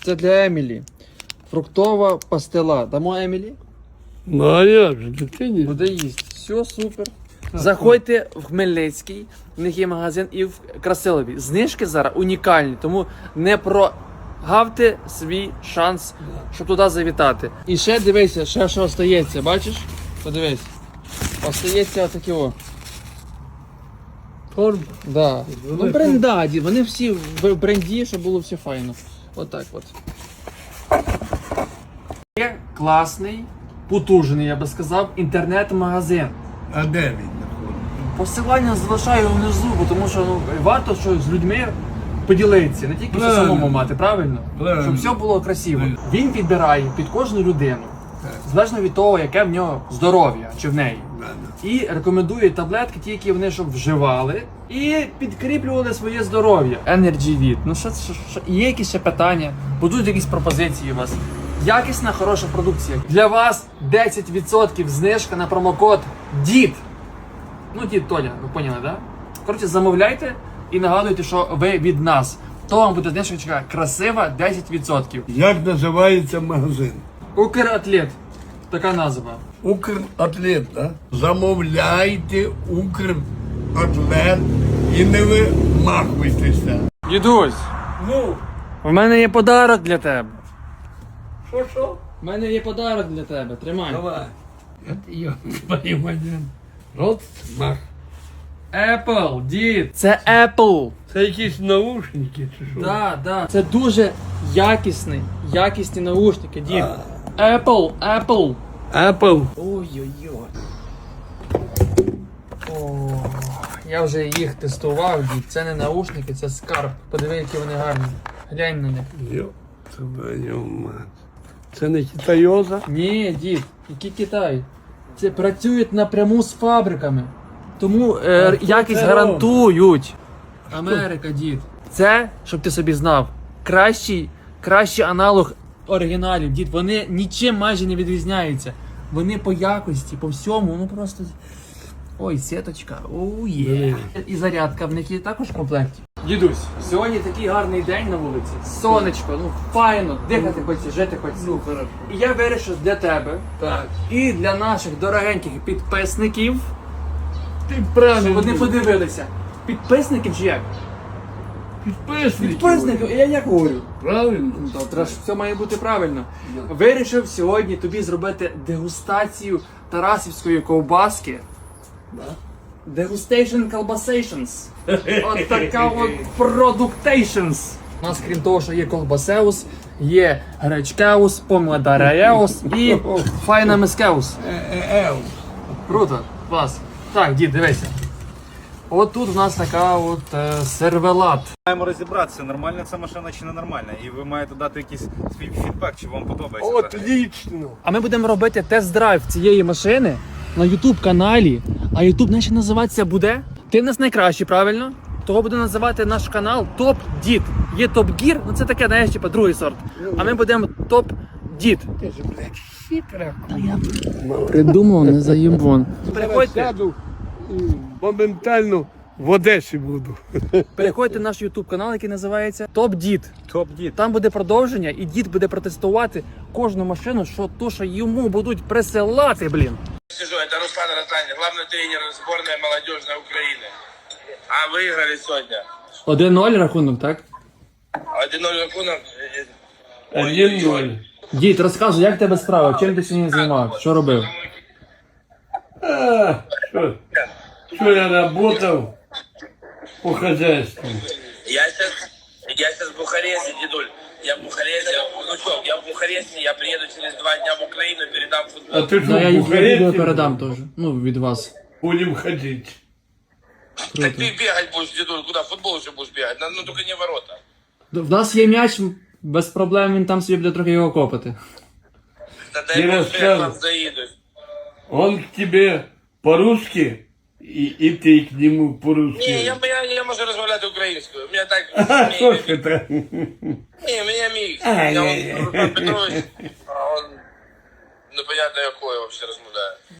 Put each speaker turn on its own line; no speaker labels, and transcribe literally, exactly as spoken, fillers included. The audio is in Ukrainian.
Це для Емілі. Фруктова пастила. Дамо Емілі?
Ну а як же, дитині?
Буде їсти. Все, супер. Заходьте в Хмельницький, в них є магазин, і в Красилові. Знижки зараз унікальні, тому не прогавте свій шанс, щоб туди завітати. І ще дивися, ще що остається, бачиш? Подивись. Остається отакі о.
Торб.
Да. Ну брендаді, вони всі в бренді, щоб було все файно. Отак от. Є класний, потужний, я би сказав, інтернет-магазин.
А де він?
Посилання залишаю внизу, бо тому що ну, варто що з людьми поділитися, не тільки що
Правильно.
самому мати, правильно?
Правильно.
Щоб все було красиво.
Правильно.
Він підбирає під кожну людину, залежно від того, яке в нього здоров'я чи в неї. І рекомендує таблетки, ті, які вони щоб вживали, і підкріплювали своє здоров'я. Energy від. Ну що, що, що є якісь ще питання? Будуть якісь пропозиції у вас? Якісна, хороша продукція. Для вас десять відсотків знижка на промокод ДІД. Ну, дід Толя, ви поняли, да? Коротше, замовляйте і нагадуйте, що ви від нас. То вам буде знижка красива десять відсотків.
Як називається магазин?
Укратлет. Така назва.
Укратлет, да? Замовляйте Укратлет і не вимахуйтеся.
Дідусь,
Ну,
в мене є подарок для тебе.
що що?
У мене є подарок для тебе. Тримай.
Давай. От йо, понимаю. Рот мах.
Apple, дід. Це Apple.
Це якісь наушники чи що?
Да, да. Це дуже якісний, якісні наушники, дід. Apple, Apple.
Apple.
Ой-ой-ой. О, я вже їх тестував, дід. Це не наушники, це скарб. Подиви, які вони гарні. Глянь на них.
Йо, твою мать. Це не китайоза?
Ні, дід, який Китай? Це працюють напряму з фабриками. Тому е,
А хто
якість
це
гарантують. Америка, дід. Це, щоб ти собі знав, кращий, кращий аналог оригіналів, дід. Вони нічим майже не відрізняються. Вони по якості, по всьому, ну просто. Ой, сіточка, оу є. І зарядка в них є також в комплекті. Дідусь, сьогодні такий гарний день на вулиці. Сонечко, ну файно, дихати хочеться, жити хочеться.
Ну, хорошо.
І я вирішив для тебе
Так.
і для наших дорогеньких підписників,
Ти
щоб
правильно.
вони подивилися. Підписників чи як?
Підписники.
Підписників, я як говорю.
Правильно.
Ну, то все має бути правильно. Вирішив сьогодні тобі зробити дегустацію тарасівської ковбаски. Degustation колбасейшнс. От така от продуктейшнс. У нас, крім того, що є колбасеус, є гречкеус, помадареус і файнамискеус.
Ел.
Круто, клас. Так, дід, дивися. От тут у нас така от е, сервелат.
Маємо розібратися, нормальна ця машина чи не нормальна. І ви маєте дати якийсь свій фідбек, чи вам подобається.
От
взагалі.
лічно.
А ми будемо робити тест-драйв цієї машини на ютуб каналі. А ютуб наш називатися буде? Ти в нас найкращий, правильно? Того буде називати наш канал Топ Дід. Є Топ Гір, ну це таке, знаєш, типа другий сорт. А ми будемо Топ Дід.
Ти ж, блядь, хитра.
Придумав, не заїбон. Переходьте,
Сяду і моментально в Одесі буду.
переходьте на наш ютуб канал, який називається Топ Дід.
Топ-дід.
Там буде продовження, і дід буде протестувати кожну машину, що то, що йому будуть присилати, блін.
Сижу, это Руслан Ротанин, главный тренер сборной молодежной Украины. А выиграли сегодня.
один ноль рахунок, так?
один ноль рахунок.
Один ноль.
Дід, розказуй, як в тебе справа? Чим ти сьогодні займався? Що робив?
А, що? Що я работав по хозяйству?
Я сейчас, я сейчас в Бухаресте, дедуль. Я в Бухаресте, внучок, я в Бухаресте, я приеду через два дня в Украину, передам футбол.
А ти
Ну,
що,
я
в
їх відео
Бухаресті
передам теж. Ну, від вас.
будемо ходити?
Так ты бегать будешь, дедуль, куда? В футбол еще будешь бегать, ну, ну только не в ворота.
В нас є м'яч, без проблем він там собі буде трохи його копати.
Да
Не
дай бог, что я
рассказывай.
к вам заеду.
Он к тебе по-русски, и, и ты к нему по-русски.
Не, я, я, я могу разговаривать украинскую. У меня так...
А,
мне-
що ж это?
Не, у меня микс.
Ай,
Я
ай,
он, Руслан Петрович, а он... Ну, понятно, какой вообще размовляет.